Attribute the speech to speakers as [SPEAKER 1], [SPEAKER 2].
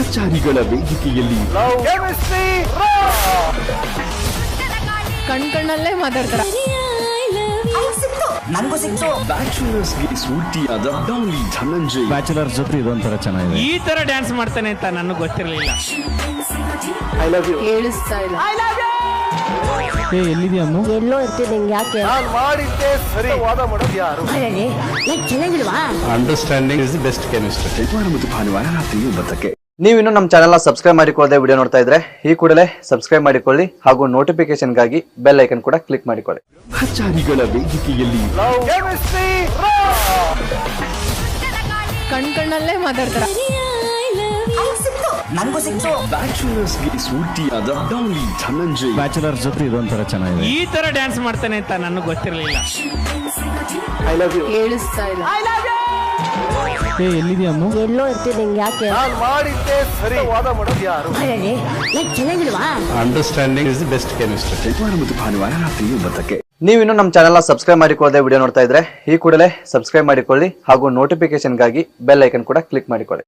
[SPEAKER 1] ಸಹಚಾರಿಗಳ ವೇದಿಕೆಯಲ್ಲಿ
[SPEAKER 2] ಕಣ್ಣಲ್ಲೇ ಮಾತಾಡ್ತಾರ.
[SPEAKER 1] ಬ್ಯಾಚುಲರ್ಸ್ಗೆ ಸ್ಫೂರ್ತಿಯಾದ ಡಾಲಿ ಧನಂಜಯ್.
[SPEAKER 3] ಬ್ಯಾಚುಲರ್ ಜೊತೆ ಇದೊಂಥರ ಚೆನ್ನಾಗಿದೆ.
[SPEAKER 4] ಈ ತರ ಡ್ಯಾನ್ಸ್ ಮಾಡ್ತಾನೆ ಅಂತ ನನಗೆ ಗೊತ್ತಿರಲಿಲ್ಲ.
[SPEAKER 2] ಕೇಳಿಸ್ತಾ ಇಲ್ಲ.
[SPEAKER 3] ಎಲ್ಲಿದೆಯಾ ಅಮ್ಮ?
[SPEAKER 5] ಎಲ್ಲೋ ಇರ್ತೀನಿ ಯಾಕೆ
[SPEAKER 6] ಮಾಡಿದ್ದೆ ಸರಿ ವಾದ ಮಾಡೋದು ಯಾರು?
[SPEAKER 5] ಚೆನ್ನಾಗಿಲ್ವಾ?
[SPEAKER 3] Understanding is the best chemistry.
[SPEAKER 1] ಶನಿವಾರ ಮತ್ತು ಭಾನುವಾರ ರಾತ್ರಿ 9ಕ್ಕೆ.
[SPEAKER 7] ನೀವು ಇನ್ನೂ ನಮ್ಮ ಚಾನೆಲ್ನ ಸಬ್ಸ್ಕ್ರೈಬ್ ಮಾಡಿಕೊಳ್ಳದೆ ವಿಡಿಯೋ ನೋಡ್ತಾ ಇದ್ರೆ ಈ ಕೂಡಲೇ ಸಬ್ಸ್ಕ್ರೈಬ್ ಮಾಡಿಕೊಳ್ಳಿ ಹಾಗೂ ನೋಟಿಫಿಕೇಶನ್ಗಾಗಿ ಬೆಲ್ ಐಕನ್ ಕೂಡ ಕ್ಲಿಕ್ ಮಾಡಿಕೊಳ್ಳಿ.
[SPEAKER 1] ಸಹಚಾರಿಗಳ ವೇದಿಕೆಯಲ್ಲಿ
[SPEAKER 2] ಕಣ್ಣಲ್ಲೇ ಮಾತಾಡ್ತಾರ.
[SPEAKER 1] ಬ್ಯಾಚುಲರ್ಸ್ಗೆ ಸ್ಫೂರ್ತಿಯಾದ ಡಾಲಿ ಧನಂಜಯ್.
[SPEAKER 3] ಬ್ಯಾಚುಲರ್ ಜೊತೆ ಇದೊಂಥರ ಚೆನ್ನಾಗಿದೆ.
[SPEAKER 4] ಈ ತರ ಡ್ಯಾನ್ಸ್ ಮಾಡ್ತಾನೆ ಅಂತ ನನಗೆ ಗೊತ್ತಿರಲಿಲ್ಲ.
[SPEAKER 2] ಕೇಳಿಸ್ತಾ ಇಲ್ಲ.
[SPEAKER 3] ಎಲ್ಲಿದೆಯಾ ಅಮ್ಮ?
[SPEAKER 5] ಎಲ್ಲೋ ಇರ್ತೀನಿ ಯಾಕೆ
[SPEAKER 6] ಮಾಡಿದ್ದೆ ಸರಿ ವಾದ ಮಾಡೋದು ಯಾರು?
[SPEAKER 5] ಚೆನ್ನಾಗಿಲ್ವಾ?
[SPEAKER 3] Understanding is the best chemistry.
[SPEAKER 1] ಶನಿವಾರ ಮತ್ತು ಭಾನುವಾರ ರಾತ್ರಿ 9ಕ್ಕೆ.
[SPEAKER 7] ನೀವು ಇನ್ನೂ ನಮ್ಮ ಚಾನೆಲ್ನ ಸಬ್ಸ್ಕ್ರೈಬ್ ಮಾಡಿಕೊಳ್ಳದೆ ವಿಡಿಯೋ ನೋಡ್ತಾ ಇದ್ರೆ ಈ ಕೂಡಲೇ ಸಬ್ಸ್ಕ್ರೈಬ್ ಮಾಡಿಕೊಳ್ಳಿ ಹಾಗೂ ನೋಟಿಫಿಕೇಶನ್ಗಾಗಿ ಬೆಲ್ ಐಕನ್ ಕೂಡ ಕ್ಲಿಕ್ ಮಾಡಿಕೊಳ್ಳಿ.